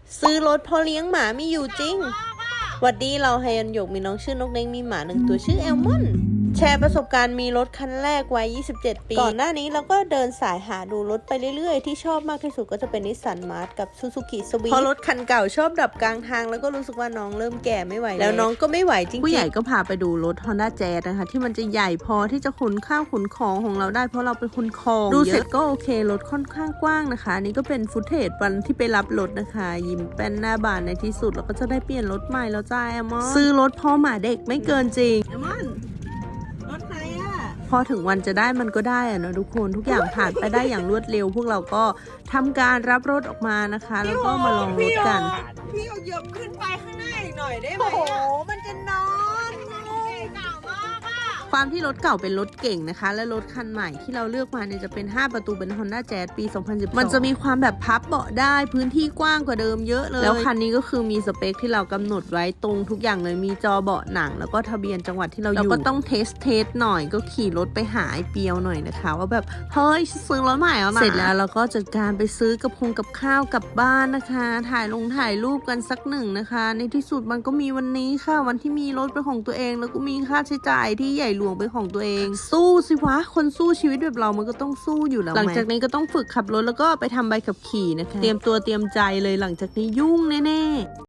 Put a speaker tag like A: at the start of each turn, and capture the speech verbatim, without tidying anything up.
A: ซื้อรถพอเลี้ยงหมาไม่อยู่จริงหวัดดีเราไฮยันหยกมีน้องชื่อนกเล้งมีหมาหนึ่งตัวชื่อแอลมอนแชร์ประสบการณ์มีรถคันแรกวัยยี่สิบเจ็ดปีก่อนหน้านี้เราก็เดินสายหาดูรถไปเรื่อยๆที่ชอบมากที่สุดก็จะเป็นนิสสันมาร์ทกับซูซูกิสวีทพอรถคันเก่าชอบดับกลางทางแล้วก็รู้สึกว่าน้องเริ่มแก่ไม่ไหวแล้วน้องก็ไม่ไหวจริงๆผู้ใหญ่ก็พาไปดูรถ Honda Jazz นะคะที่มันจะใหญ่พอที่จะขนข้าวขนของของเราได้เพราะเราเป็นคนคองดูเสร็จก็โอเครถค่อนข้างกว้างนะคะนี่ก็เป็นฟุตเทจวันที่ไปรับรถนะคะยิ้มแป้นหน้าบานในที่สุดแล้วก็จะได้เปลี่ยนรถใหม่แล้วจ้าแอมอนซื้อรถพ่อหมาเด็กไม่เกินจริงแอมอนรถไหนอะพอถึงวันจะได้มันก็ได้อะเนาะทุกคนทุกอย่างผ่านไปได้อย่างรวดเร็วพวกเราก็ทำการรับรถออกมานะคะแล้วก็มาลองรถกัน
B: พี่เอาเหยียบขึ้นไปข้างหน้าอีกหน่อยได้ไหมโอ้โหมันจะนอนเก่ามากอะ
A: ความที่รถเก่าเป็นรถเก่งนะคะและรถคันใหม่ที่เราเลือกมาเนี่ยจะเป็นห้าประตูเป็น Honda Jazz ปี สองพันสิบสอง มันจะมีความแบบพับเบาะได้พื้นที่กว้างกว่าเดิมเยอะเลยแล้วคันนี้ก็คือมีสเปคที่เรากำหนดไว้ตรงทุกอย่างเลยมีจอเบาะหนังแล้วก็ทะเบียนจังหวัดที่เราอยู่เราก็ต้องเทสเทสหน่อยก็ขี่รถไปหาไอ้เปียวหน่อยนะคะว่าแบบเฮ้ยซื้อรถใหม่แล้วนะเสร็จแล้วเราก็จัดการไปซื้อกับคงกับข้าวกลับบ้านนะคะถ่ายลงถ่ายรูปกันสักหนึ่งนะคะในที่สุดมันก็มีวันนี้ค่ะวันที่มีรถเป็นของตัวเองแล้วก็มีค่าใช้จ่ายที่ใหญ่หลวงเป็นของตัวเองสู้สิวะคนสู้ชีวิตแบบเรามันก็ต้องสู้อยู่แล้วหลังจากนี้ก็ต้องฝึกขับรถแล้วก็ไปทำใบขับขี่นะคะเตรียมตัวเตรียมใจเลยหลังจากนี้ยุ่งแน่ๆ